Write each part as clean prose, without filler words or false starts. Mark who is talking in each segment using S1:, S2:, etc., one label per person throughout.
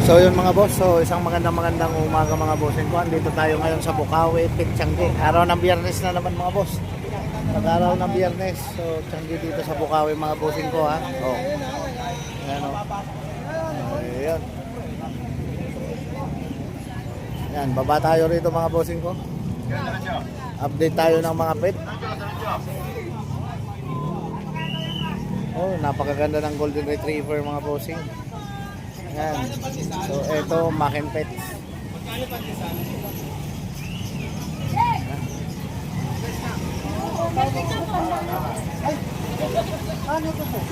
S1: So yun mga boss, so isang magandang umaga mga bossing ko. Dito tayo ngayon sa Bukawi, Tiangge. Araw ng Biyernes na naman mga boss. Pag-araw ng Biyernes, so Tiangge dito sa Bukawi mga bossing ko ha. Oh. Ayan o. Ayan. Yan, baba tayo rito mga bossing ko. Update tayo ng mga pet. Oh, napakaganda ng Golden Retriever mga bossing. Yan. So ito, Makin Pet. Ano to po?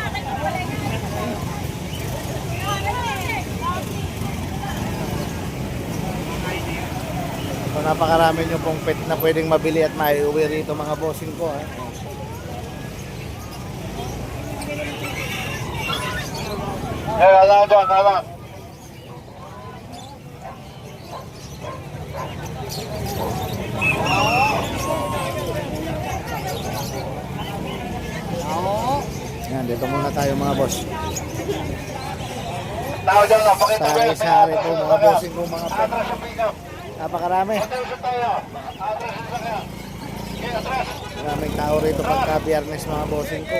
S1: So napakarami nyo pong pet na pwedeng mabili at maiuwi rito mga bossing ko ha.
S2: Alam.
S1: Yan, dito muna tayo mga boss.
S2: Tao dyan lang, pakita mo yung
S1: Sari-sari po mga bossing ko mga pet. Napakarami. Maraming tao rito pagka Biyernes mga bossing ko.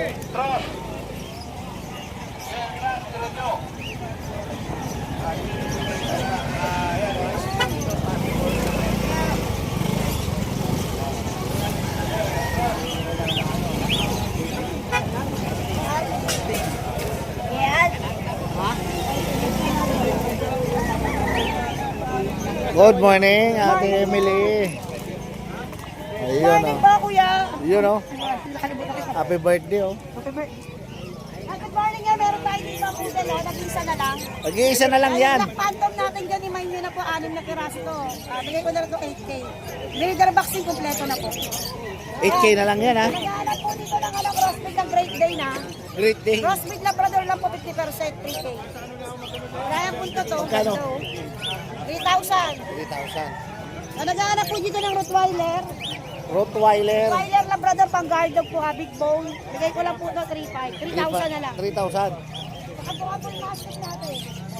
S1: Good morning, Ate Emily. Ayun
S3: Morning po, kuya.
S1: Yun o. Happy birthday o.
S3: Good morning nga, meron tayo dito ang poodle, nag-isa na lang.
S1: Mag-iisa na lang yan.
S3: Ang phantom natin dyan, imayin nyo na po, 6 na piraso to. Bigay ko na lang ito 8K. Breeder vaccine kompleto na po.
S1: 8K na lang yan ha.
S3: Nag-aanap po dito ng crossbreed ng Great Day na.
S1: Great day.
S3: Crossbreed Labrador lang po 50%, 3K. Kaya punto to.
S1: Magkano?
S3: 3,000.
S1: 3,000.
S3: Nag-aanap po dito ng Rottweiler.
S1: Rottweiler.
S3: Rottweiler Labrador pang guard dog po, big bone. Bigay ko lang po ito 3,500. 3,000 na lang.
S1: 3,000.
S3: Nakabuka po yung master natin.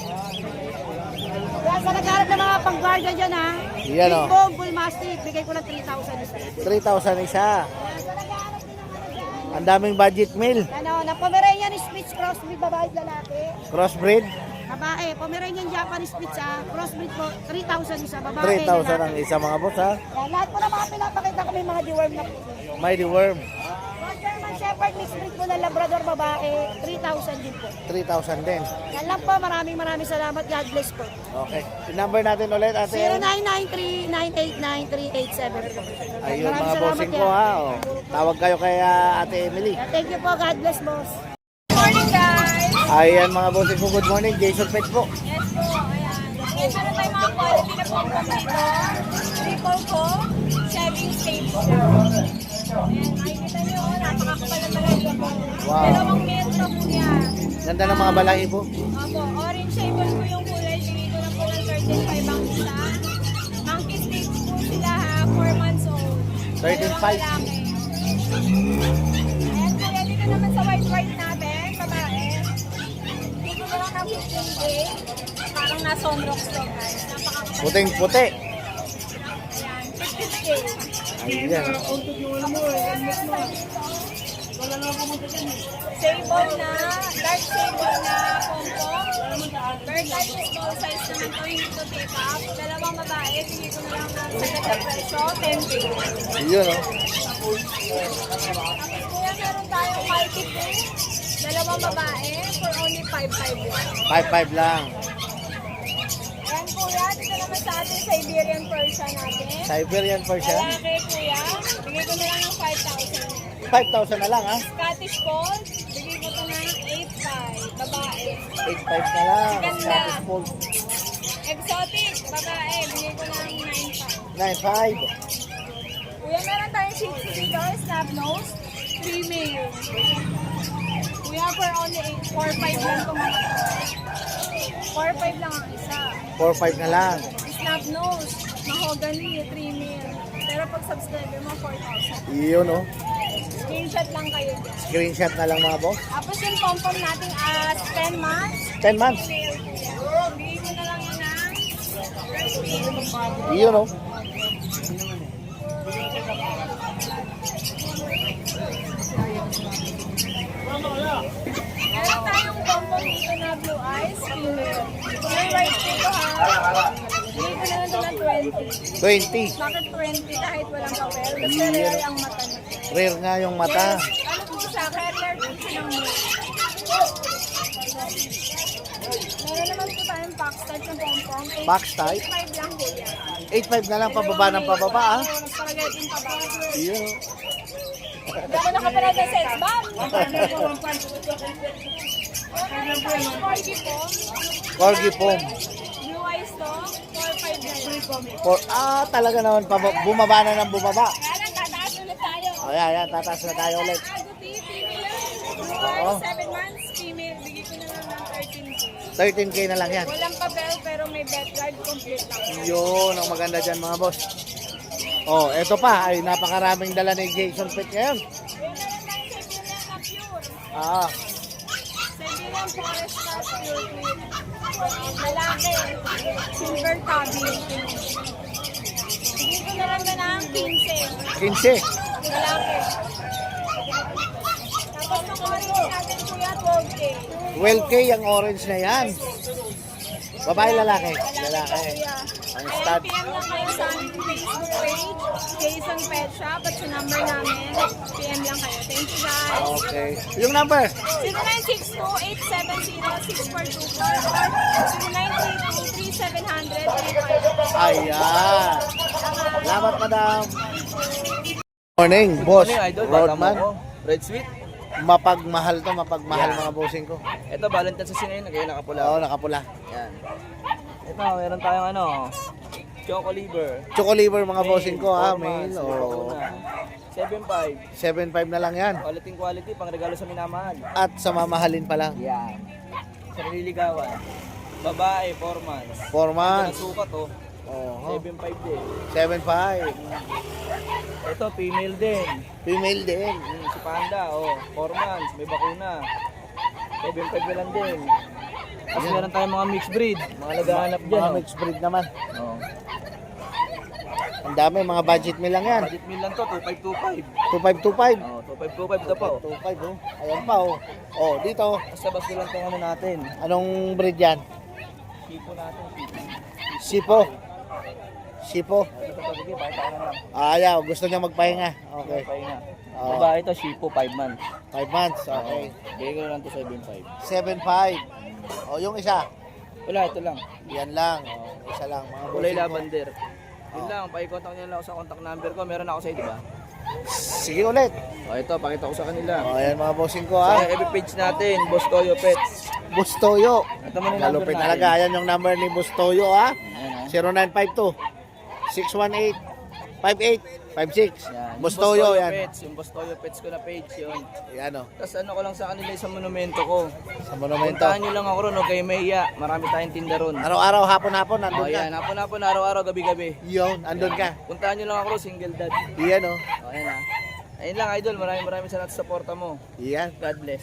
S3: Kaya sa nagharap ng mga pang-guardia dyan ha.
S1: Yan,
S3: Big
S1: oh.
S3: bone, bull mastiff. Bigay ko ng 3,000 isa.
S1: 3,000 isa.
S3: Kaya sa nagharap din ng ano dyan.
S1: Ang daming budget meal.
S3: Ano, na Pomeranian Spitz crossbreed, babae at lalaki.
S1: Crossbreed.
S3: Babae, Pomeranian Japanese Spitz ha. Crossbreed po, 3,000 isa. Babae,
S1: 3,000 ang isa mga boss ha.
S3: Kaya lahat po na mga pinapakita ko may mga deworm na po.
S1: Mighty Worm.
S3: Mga German Shepherd mixed breed po ng Labrador babae, 3,000 din po.
S1: 3,000 din.
S3: Yan lang po, maraming salamat. God bless po.
S1: Okay. Yung number natin ulit ate.
S3: 0993-989-3874.
S1: Ayun mga
S3: Maraming
S1: bossing
S3: salamat
S1: ko
S3: yan.
S1: ha. Oh. Tawag kayo kay Ate Emily.
S3: Thank you po. God bless, boss. Good morning, guys.
S1: Ayan mga bossing ko. Good morning. Jason Pet po.
S3: Yes po. Ayan. Yes, meron tayong mga quality na po dito. Triple ko. Shaving stage siya. Ayan, makikita nyo. Napakakapal na talaga po.
S1: Wow.
S3: Dalawang metro po yan.
S1: Ganda ng mga balahi po.
S3: Opo, orange shable po yung kulay. Bigay ko lang po ng 35 ang isa. Monkey stage po sila ha. 4 months old.
S1: 13.5.
S3: Dalawang lalaki. Ayan po, dito naman sa white natin. Babae. Dito ko lang ng 15K. Parang nasa on rocks to guys. Napakakapal.
S1: Puting puti.
S3: Ayan, 15K.
S1: Ayan.
S3: Sable na, dark sable na pompo. Bird type small size naman to, hindi to take up. Dalawang babae, bigay ko na lang ng sagad na presyo, 10K.
S1: Yun oh.
S3: Tapos kuya, meron tayong Mighty Pink. Dalawang babae, for only 5,500 lang.
S1: 5,500 lang.
S3: Yan kuya, dito naman sa ating Siberian Persian natin.
S1: Siberian Persian.
S3: Lalaki kuya, bigay ko na lang ng 5,000.
S1: 5,000 na lang ha.
S3: Scottish Fold, bigay ko ito ng 8,500. Babae.
S1: 8,500 na lang.
S3: Ganda.
S1: Scottish Fold.
S3: Exotic, babae, bigay ko ng 9,500.
S1: 9,500.
S3: Kuya, meron tayong Shih Tzu dito, snub nose, female. Kuya, for only 4,500 lang itong mga to. 4,500 lang ang isa.
S1: 4,500 na lang.
S3: Snub nose, mahogany, 3 mil. Pero pag subscriber mo, 4,000.
S1: Yun oh.
S3: Screenshot lang kayo dyan.
S1: Screenshot na lang mga boss.
S3: Tapos yung pom-pom nating 10 months.
S1: 10 months.
S3: Female kuya. Bigay ko na
S1: Iyon oh.
S3: Meron tayong bonbon dito na blue eyes, female. May white dito ha. Bigay ko na lang ito ng 20.
S1: 20.
S3: Bakit 20 kahit walang papel? Kasi rare ang mata niya.
S1: Rare nga yung mata.
S3: Ano po sa akin? Rare po siya ng male. Meron naman po tayong box type ng pompong.
S1: Box type?
S3: 8.5 lang po yan.
S1: 8.5 na lang pababa ng pababa ah.
S3: Spaghetti pa ba?
S1: Iyon oh.
S3: Hindi ako nakapanood ng sex bomb.
S1: Corgi Pom.
S3: Blue eyes to, 4.5 na
S1: Talaga naman bumaba na ng bumaba.
S3: Kaya lang, tataas ulit tayo.
S1: O yan, tataas na tayo ulit.
S3: Aguti, female lang. Blue
S1: Oo.
S3: eyes, 7 months, female. Bigay ko na lang ng 13K.
S1: 13K na lang yan.
S3: Walang papel pero may bed ride complete lang.
S1: Yun, ang maganda dyan mga boss. Oh, eto pa, ay napakaraming dala ni Jason Pitt ngayon.
S3: Meron naman tayong Siberian na pure.
S1: Ah,
S3: Siberian forest cat pure queen. Malaki. Silver tabby. Bigay ko na lang na ng 15.
S1: 15.
S3: Malaki. Tapos ng orange natin kuya, 12K.
S1: 12K ang orange na yan. Babae, lalaki? Lalaki.
S3: Kuya.
S1: Ang
S3: Ayan,
S1: stud.
S3: PM lang kayo sa aming Facebook page, Jason Pet Shop, at sa number namin, PM lang kayo. Thank you guys.
S1: Okay. Yung number?
S3: 0962-870-6424 or 0932-3700-35.
S1: Ayan. Salamat, madam. Morning, boss.
S4: Ano yung idol? Bata mo
S1: Roadman.
S4: ko. Red Sweet.
S1: Mapagmahal to, mapagmahal
S4: Yeah.
S1: mga bossing ko.
S4: Ito, Valentine's kasi ngayon. Kaya nakapula.
S1: Oo, nakapula.
S4: Yan. Ito, meron tayong ano. Choco liver.
S1: Choco liver mga bossing ko ha,
S4: Four
S1: mail.
S4: months,
S1: Oo.
S4: 7.5.
S1: 7.5 na lang yan.
S4: Quality, pang regalo sa minamahal.
S1: At sa mamahalin pa lang.
S4: Yan. Sa nililigawan. Babae, 4 months.
S1: 4
S4: Ito,
S1: months.
S4: nasukat oh.
S1: Oo.
S4: 7.5 din.
S1: 7.5.
S4: Ito, female din.
S1: Female din.
S4: Si Panda, oh. 4 months, may bakuna. 7.5 na lang din. Tapos meron tayong mga mixed breed. Mga naghahanap dyan.
S1: Mga
S4: oh.
S1: mixed breed naman.
S4: Oh.
S1: Ang dami, mga budget meal lang yan.
S4: Budget meal lang to, 2525.
S1: 2525.
S4: Oh, 2525 ito po.
S1: 25 oh. Ayan pa oh. Oh, dito.
S4: Basta basta lang itong ano natin.
S1: Anong breed yan?
S4: Tipo natin.
S1: Sipo. Sipo.
S4: Ito pa, sige, pakita ko na lang.
S1: Ayaw, gusto niya magpahinga. Okay.
S4: Pahinga.
S1: Oo.
S4: Babae ito, Shipo, 5 months.
S1: 5 months. Okay.
S4: Bigay ko na lang to 7.5.
S1: 7.5. Oh, yung isa.
S4: Wala, ito lang.
S1: Yan lang. Oh, isa lang. Mga
S4: Kulay
S1: bossing ko.
S4: lavender. Yun lang, pakicontact nyo lang ako sa contact number ko. Meron ako sa'yo, di ba?
S1: Sige ulit.
S4: O, ito, pakita ko sa kanila.
S1: Oh, ayan mga bossing ko
S4: Sa
S1: ha.
S4: FB page natin, Boss Toyo Pets.
S1: Bustoyo.
S4: Ito mo yung number
S1: Malupit
S4: natin.
S1: talaga. Ayan yung number ni Bustoyo ha.
S4: Ayan, ha?
S1: 0952 618 5856.
S4: Yan.
S1: Bustoyo yan.
S4: Pets, yung Boss Toyo Pets ko na page, yun.
S1: Yan oh.
S4: Tapos ano ko lang sa kanila sa monumento ko.
S1: Sa monumento.
S4: Puntahan nyo lang ako ron, huwag kayo mahiya. Marami tayong tinda ron.
S1: Araw-araw, hapon-hapon,
S4: O
S1: nandun ka.
S4: yan, hapon-hapon, araw-araw, gabi-gabi.
S1: Yun, andun ka.
S4: Puntahan nyo lang ako ron, single dad.
S1: Yan oh.
S4: O ayan ha. Ayun lang idol, maraming salamat sa suporta mo.
S1: Yan.
S4: God bless.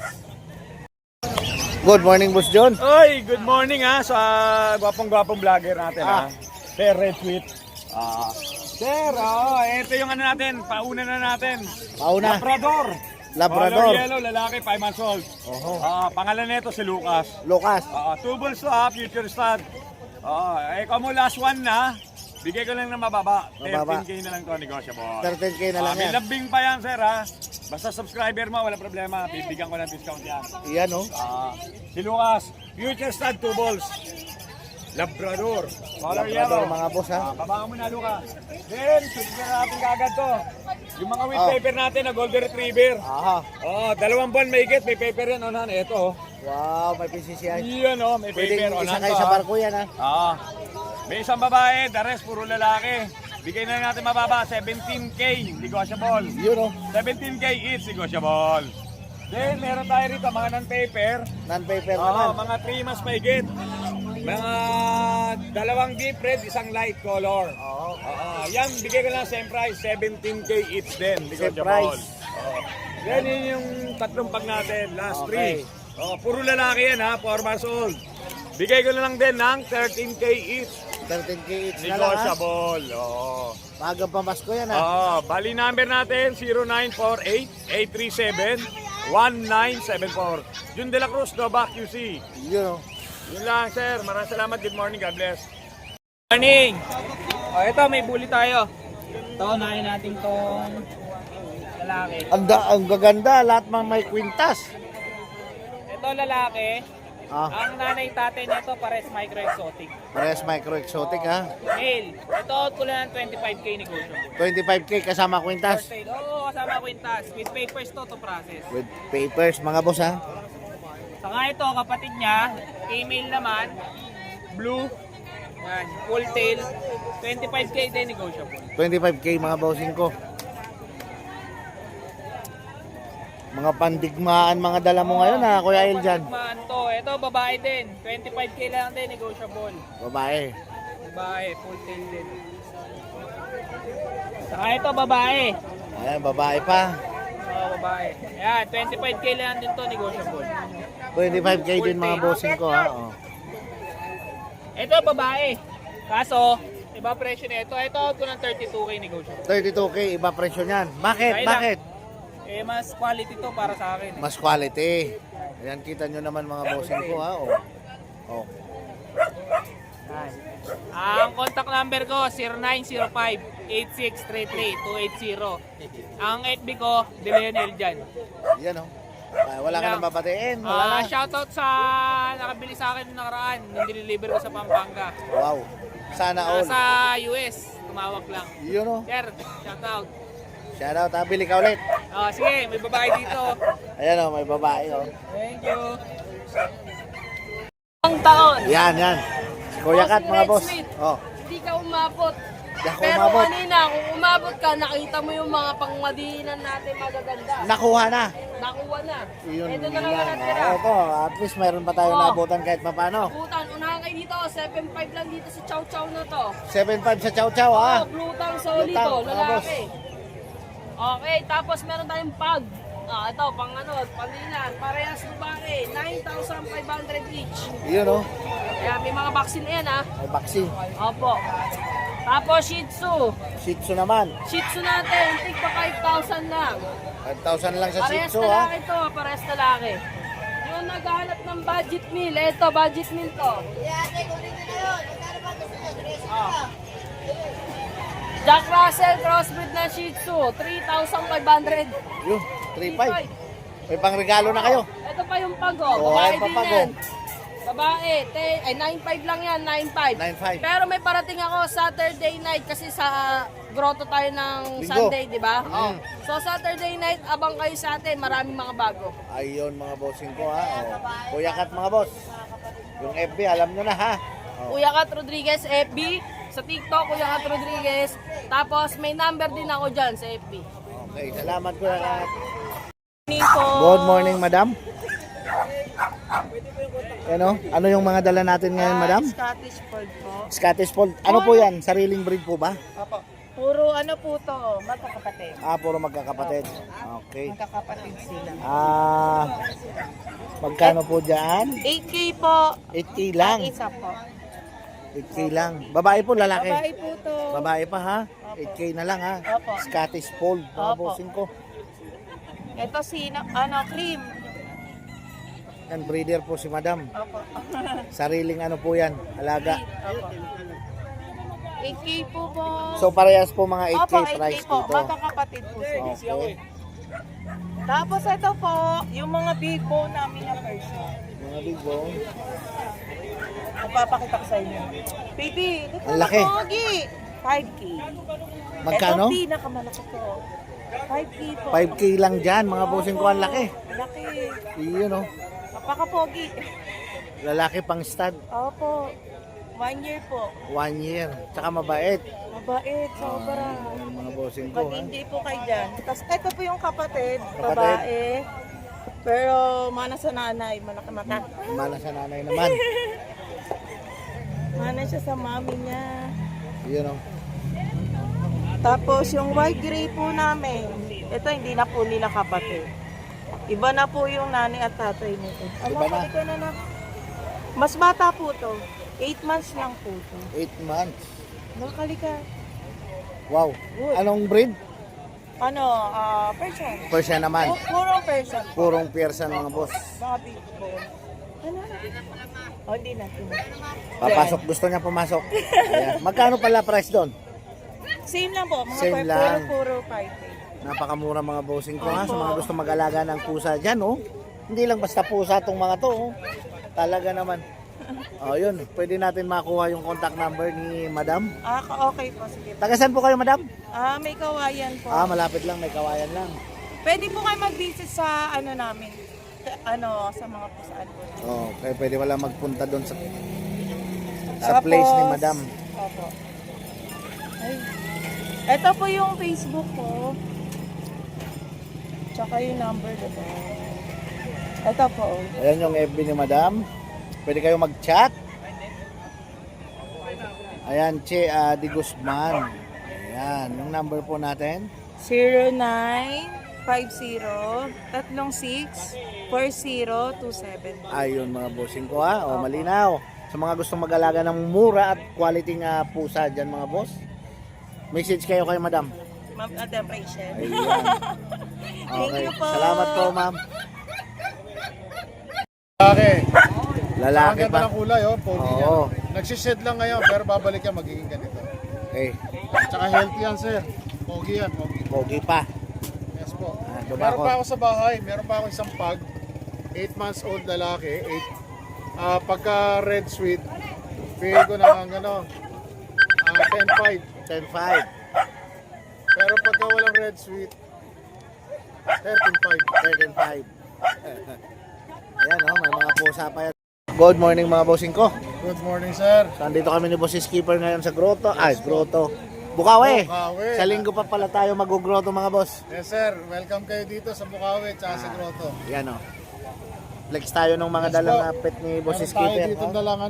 S1: Good morning, Boss John.
S5: Oy, good morning ha sa gwapong-gwapong vlogger natin
S1: Ah.
S5: ha. Sir Red Tweet. Sir, ito yung ano natin, pauna na natin.
S1: Pauna.
S5: Labrador.
S1: Labrador.
S5: Color yellow, lalaki, 5 months old.
S1: Oho.
S5: Pangalan nito si Lucas.
S1: Lucas.
S5: Two bulls to ha, future stud. Ikaw mo last one na. Bigay ko lang ng mababa.
S1: Mababa.
S5: 13K na lang to, negotiable.
S1: 13K na lang
S5: May
S1: yan.
S5: lambing pa yan, sir ha. Basta subscriber mo, wala problema. Bibigyan ko ng discount yan.
S1: Yan oh.
S5: Si Lucas, future stud, two balls. Labrador. Color
S1: Labrador
S5: yellow.
S1: mga boss ha.
S5: Babaan mo na, Lucas. Then, susunod na natin kagad to. Yung mga with
S1: Oh.
S5: paper natin na golden retriever.
S1: Aha.
S5: 2 buwan may higit, may paper yan, onan. Ito,
S1: Wow, may PCCI.
S5: Yan, may paper,
S1: Pwedeng
S5: onan
S1: isakay
S5: to.
S1: sa barko yan ha.
S5: May isang babae, the rest, puro lalaki. Bigay na natin mababa, 17K, negotiable.
S1: Yun oh.
S5: 17K each, negotiable. Then, meron tayo rito, mga non-paper.
S1: Non-paper naman.
S5: Mga 3 months mahigit. Mga 2 deep red, 1 light color.
S1: Oo.
S5: Yan, bigay ko lang same price, 17K each din.
S1: Same
S5: negotiable.
S1: price.
S5: Yan yun yung tatlong pag natin, last
S1: Okay.
S5: 3. Puro lalaki yan ha, 4 months old. Bigay ko na lang din ng 13K each.
S1: 13K each na lang ha.
S5: Negotiable. Oo.
S1: Magang pamasko yan ha.
S5: Bali number natin 0948-837-1974. Jun De La Cruz, Nova QC.
S1: Yun o.
S5: Yun lang sir, maraming salamat. Good morning, God bless.
S4: Morning! O, ito, may bully tayo. Ito, unahin natin tong lalaki.
S1: Ang gaganda, lahat mga may kwintas.
S4: Ito, lalaki.
S1: Ah,
S4: Ang nanay tatay nito, pares micro exotic.
S1: parehas micro exotic ha.
S4: Male. Ito, out ko lang ng 25K negotiable.
S1: 25K kasama kwintas.
S4: First aid. Oo, kasama kwintas. With papers to process.
S1: With papers mga boss ha.
S4: Saka ito, kapatid niya, female naman, blue, yan, full tail, 25K din negotiable.
S1: 25K mga bossing ko. Mga pandigmaan mga dala mo ngayon ha, Kuya Eljan.
S4: Pagmaan to, ito babae din, 25K lang din negotiable.
S1: Babae.
S4: Babae, full tail din. Saka ito, babae.
S1: Ayan, babae pa.
S4: Oo, babae. Yan, 25K lang din to negotiable.
S1: 25K din mga bossing ko ha. Oh.
S4: Ito, babae. Kaso, iba presyo nito. Ito, out ko ng 32K negotiable.
S1: 32K, iba presyo niyan. Bakit?
S4: Kaya lang.
S1: Bakit?
S4: Mas quality to para sa akin.
S1: Mas quality. Ayan, kita nyo naman mga bossing ko ha. Oh. Oh.
S4: Ang contact number ko, 0905-8633-280. Ang FB ko, Deleon Eljan.
S1: Yan oh. Wala ka nang babatiin. Wala na.
S4: Shoutout sa nakabili sa akin nung nakaraan, nung diniliver ko sa Pampanga.
S1: Wow. Sana all.
S4: Sa US, tumawag lang.
S1: Yun oh.
S4: Sir, shoutout.
S1: Shoutout ha. Bili ka ulit.
S4: Sige, may babae dito.
S1: Ayan oh, may babae oh.
S4: Thank you.
S3: Ang taon.
S1: Yan, yan. Kuya Kat mga boss. Oh.
S3: Hindi ka umabot.
S1: Di ako
S3: Pero
S1: umabot.
S3: kanina, kung umabot ka, nakita mo yung mga pangmadiinan natin magaganda.
S1: Nakuha na.
S3: Nakuha na.
S1: Yun
S3: Ito na lang
S1: lang.
S3: natira.
S1: Ito, at least mayroon pa tayo
S3: Oh.
S1: nabutan kahit mapano.
S3: Butan, unahan kayo dito. 7.5 lang dito sa Chow Chow na to.
S1: 7.5 sa Chow Chow ha.
S3: Oh, blue tang solid
S1: Blue tang,
S3: to,
S1: mga boss.
S3: lalaki. Okay, tapos meron tayong pag. Ito, pang ano, panilan. Parehas babae. 9,500 each.
S1: Yun oh.
S3: Kaya may mga vaccine yan ha.
S1: May vaccine.
S3: Opo. Tapos Shih Tzu.
S1: Shih Tzu naman.
S3: Shih Tzu natin, tigpa 5,000 lang.
S1: 5,000 lang sa Shih
S3: Parehas
S1: Tzu ha.
S3: lalaki to, parehas lalaki. Yung naghahanap ng budget meal, eto, budget meal to. Jack Russell, crossbreed na Shih Tzu, 3,500.
S1: Yun, 3.5. May pangregalo na kayo.
S3: Ito pa yung pago,
S1: Oh,
S3: babae
S1: ayan pa
S3: din
S1: pago.
S3: yan. Babae, 9.5 lang yan, 9.5.
S1: 9.5.
S3: Pero may parating ako Saturday night kasi sa grotto tayo ng
S1: Linggo.
S3: Sunday, di ba? Oh.
S1: Mm.
S3: So Saturday night, abang kayo sa atin, maraming mga bago.
S1: Ayun mga bossing ko ha. Oh. Kuya Kat mga boss. Yung FB alam nyo na ha. Oh.
S3: Kuya Kat Rodriguez FB, sa TikTok Kuya Kat Rodriguez. Tapos may number din ako dyan sa FB.
S1: Okay, salamat Kuya Kat.
S3: Nico.
S1: Good morning madam. Ano yung mga dala natin ngayon madam?
S6: Scottish Fold po.
S1: Scottish Fold. Ano po yan? Sariling breed po ba?
S6: Puro ano po to, magkakapatid.
S1: Puro magkakapatid. Okay.
S6: Magkakapatid sila.
S1: Magkano po dyan?
S6: 8K po.
S1: 8K lang.
S6: Ang isa po.
S1: 8K lang. Babae po, lalaki?
S6: Babae po to.
S1: Babae pa ha? 8K na lang ha?
S6: Opo.
S1: Scottish Fold. Mga
S6: Opo.
S1: bossing ko.
S6: Ito si, cream.
S1: Yan, breeder po si madam.
S6: Opo.
S1: Sariling ano po yan, alaga.
S6: Opo. 8K po po.
S1: So parehas po mga 8K
S6: Opo, 8K
S1: price
S6: po.
S1: dito.
S6: Magkakapatid po sila.
S1: Okay.
S6: Tapos ito po, yung mga big bone namin na person.
S1: Mga big bone.
S6: Magpapakita ko sa inyo. Baby, look
S1: Ang laki.
S6: 5K.
S1: Magkano?
S6: Ito pinakamalaki po. 5K po.
S1: 5K lang dyan, mga bossing ko, ang laki.
S6: Laki.
S1: Yun oh.
S6: Napaka-pogi.
S1: Lalaki pang stud,
S6: Opo. 1 year po.
S1: 1 year. Tsaka mabait.
S6: Mabait, sobra.
S1: Yan, mga bossing ko ha.
S6: Mag-hindi po kayo dyan. Tapos ito po yung kapatid,
S1: Kapatid.
S6: babae. Pero mana sa nanay, malaki mata.
S1: Mana sa nanay naman.
S6: Mana siya sa mami niya.
S1: Yun oh.
S6: Tapos yung white gray po namin, ito hindi na po nila kapatid. Iba na po yung nanay at tatay nito.
S1: Iba na.
S6: Mas bata po to. 8 months lang po ito.
S1: 8 months.
S6: Nakalika.
S1: Wow.
S6: Good.
S1: Anong breed?
S6: Ano, person.
S1: Persian naman.
S6: Purong person.
S1: Purong Persian mga boss.
S6: Mga big bone. Ano? Oh, hindi natin.
S1: Papasok, gusto niya pumasok. Ayan. Magkano pala price doon?
S6: Same lang po. Mga
S1: Same lang.
S6: puro 5.
S1: Napakamura mga bossing ko ha. Sa mga gusto mag-alaga ng pusa dyan, oh. Hindi lang basta pusa tong mga to, oh. Talaga naman. Oh, yun. Pwede natin makuha yung contact number ni Madam.
S6: Okay po. Sige.
S1: Taga saan po kayo, Madam?
S6: May kawayan po.
S1: Malapit lang. May kawayan lang.
S6: Pwede po kayo mag-visit sa ano namin. Sa mga pusaan po.
S1: Oh, kaya pwede wala magpunta doon sa
S6: Tapos,
S1: place ni Madam.
S6: Opo. Ay. Ito po yung Facebook ko. Tsaka yung number dito. Ito po.
S1: Ayan yung FB ni Madam. Pwede kayo mag-chat. Ayan, Che Di Guzman. Ayan, yung number po natin.
S6: 0950-36-4027.
S1: Ayun mga bossing ko ha. O, malinaw. Sa mga gustong mag-alaga ng mura at quality nga pusa dyan mga boss. Message kayo kay Madam.
S6: Madam Rachel.
S1: Ayan.
S6: Thank
S1: Okay.
S6: you po.
S1: Salamat po, ma'am.
S2: Okay. Ang
S1: Lalaki
S2: ganda
S1: pa.
S2: ng kulay, oh. Pogi niya.
S1: Oo.
S2: Nagsished lang ngayon, pero babalik yan, magiging ganito.
S1: Okay.
S2: Tsaka healthy yan, sir. Pogi yan, pogi.
S1: Pogi pa.
S2: Yes po.
S1: Diba
S2: Meron
S1: ako?
S2: pa ako sa bahay, meron pa ako isang pug. 8 months old lalaki. Pagka red sweet, bigay ko ng 10.5.
S1: 10.5.
S2: Pero pagka walang red sweet, 13.5.
S1: 13.5. Ayan oh, may mga pusa pa yan. Good morning mga bossing ko.
S2: Good morning, sir.
S1: So, andito kami ni Boss Skipper ngayon sa Grotto. Grotto. Bukawi.
S2: Bukawi.
S1: Sa linggo pa pala tayo mag-grotto mga boss.
S2: Yes, sir. Welcome kayo dito sa Bukawi at sa Grotto.
S1: Yan oh. Flex tayo ng mga
S2: Yes,
S1: dalang
S2: po.
S1: na pet ni Boss
S2: Meron tayo
S1: Skipper.
S2: dito
S1: Oh.
S2: dalang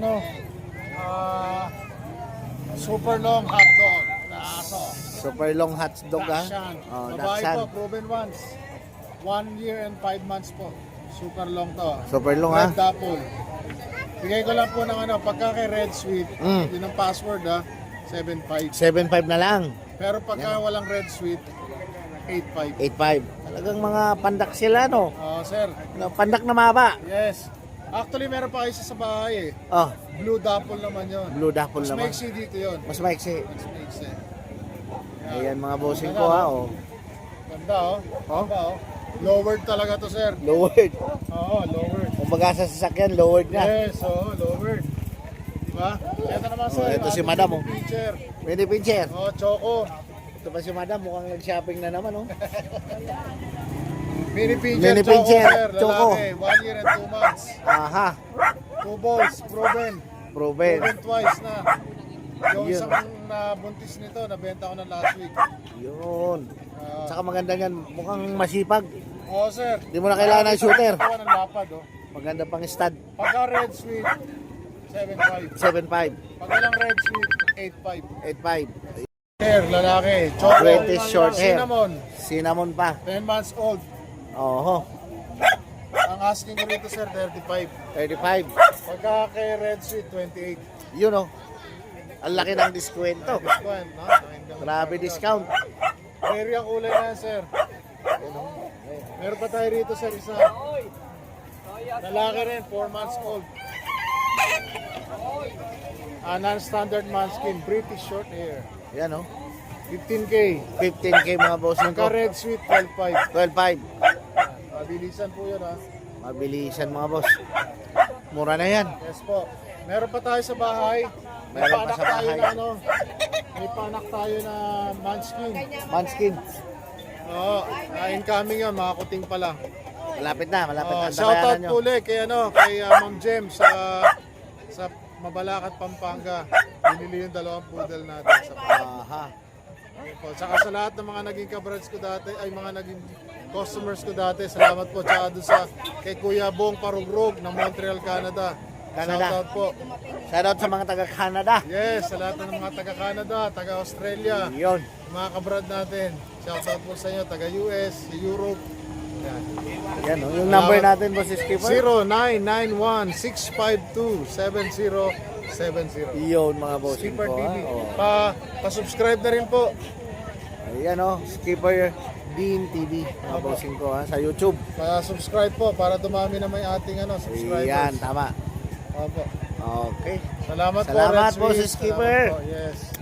S2: super long hot dog na aso.
S1: Super long hot dog ha.
S2: Dachshund.
S1: Oh,
S2: Babae
S1: Dachshund.
S2: po, proven once. 1 year and 5 months po. Super long to.
S1: Super long ha.
S2: Red Dapple. Bigay ko lang po ng pagka kay Red Sweet, yun ang password 7.5.
S1: 7.5 na lang.
S2: Pero pagka walang Red Sweet, 8.5.
S1: 8.5. Talagang mga pandak sila no.
S2: Sir.
S1: Pandak na maba.
S2: Yes. Actually, meron pa kayo sa bahay eh.
S1: Oh,
S2: Blue Dapple naman yun.
S1: blue dapple
S2: Mas
S1: naman.
S2: maiksi dito yun.
S1: Mas maiksi.
S2: Mas maiksi.
S1: Ayan mga bossing ko ha. Oh.
S2: Ganda Ganda Lowered talaga to, sir.
S1: Lowered.
S2: Oo, lowered.
S1: Kumbaga sa sasakyan, lowered na.
S2: Yes, lowered. Diba? Ito naman, sir.
S1: Ito si
S2: ating
S1: Madam, oh.
S2: Picture.
S1: Pwede pincher.
S2: Choco.
S1: Ito pa si Madam, mukhang nag-shopping na naman oh.
S2: Mini pincher,
S1: Mini
S2: Choco,
S1: pincher,
S2: sir.
S1: Choco.
S2: Lalaki, 1 year and 2 months.
S1: Aha.
S2: 2 balls, proven.
S1: Proven.
S2: Proven twice na. Yung
S1: Yun.
S2: isang buntis nito, nabenta ko na last week.
S1: Yun. Saka maganda yan, mukhang masipag.
S2: Oo, sir.
S1: Di mo na kailangan ng shooter.
S2: Ito ng lapad,
S1: Maganda pang stud.
S2: Pagka red sweet, 7.5.
S1: 7.5.
S2: Pag walang red sweet, 8.5.
S1: 8.5.
S2: Hair, lalaki. Choco.
S1: British short hair.
S2: Cinnamon,
S1: Cinnamon pa.
S2: 10 months old.
S1: Oho.
S2: Ang asking ko rito, sir, 35.
S1: 35.
S2: Pagka kay red sweet, 28.
S1: Yun oh. Ang laki ng diskwento.
S2: Discount, no?
S1: Grabe discount.
S2: Area kulay na yan, sir. Meron pa tayo rito, sir, isa. Lalaki rin, 4 months old. Non-standard manskin, British short hair.
S1: Yan oh.
S2: 15K.
S1: 15k mga bossing
S2: Pagka
S1: ko.
S2: red sweet, 12.5.
S1: 12.5.
S2: Mabilisan po yun, ha?
S1: Mabilisan mga boss. Mura na yan.
S2: Yes po. Meron pa tayo sa bahay. May
S1: Meron pa
S2: panak
S1: sa
S2: tayo
S1: bahay.
S2: na may panak tayo na manskin.
S1: Manskin.
S2: Oo, incoming yun, mga kuting pa lang.
S1: Malapit na, malapit na.
S2: Shoutout
S1: Antabayanan nyo.
S2: po ulit kay Ma'am Jem sa Mabalacat, Pampanga. Binili yung 2 poodle natin sa
S1: Aha.
S2: po. Saka sa lahat ng mga naging kabrads ko dati, ay mga naging customers ko dati, salamat po. Tsaka doon kay Kuya Bong Parugrog ng Montreal, Canada.
S1: Canada.
S2: Shoutout po.
S1: Shoutout sa mga taga-Canada.
S2: Yes, sa lahat ng mga taga-Canada, taga-Australia,
S1: Yun.
S2: mga kabrad natin. Shoutout po sa inyo, taga-US, Europe. Yan.
S1: Yan oh. Yung number natin boss Skipper. Iyon mga bossing
S2: Skipper
S1: ko.
S2: TV.
S1: Ha? Oh.
S2: Pa-subscribe na rin po.
S1: Ayan o, Skipper Dean TV mga bossing ko ha, sa YouTube.
S2: Pa-subscribe po para dumami na may ating subscribers.
S1: Ayan, tama.
S2: Opo.
S1: Okay.
S2: Salamat
S1: Salamat
S2: Red
S1: po,
S2: Swiss.
S1: si Skipper.
S2: Salamat po. Yes.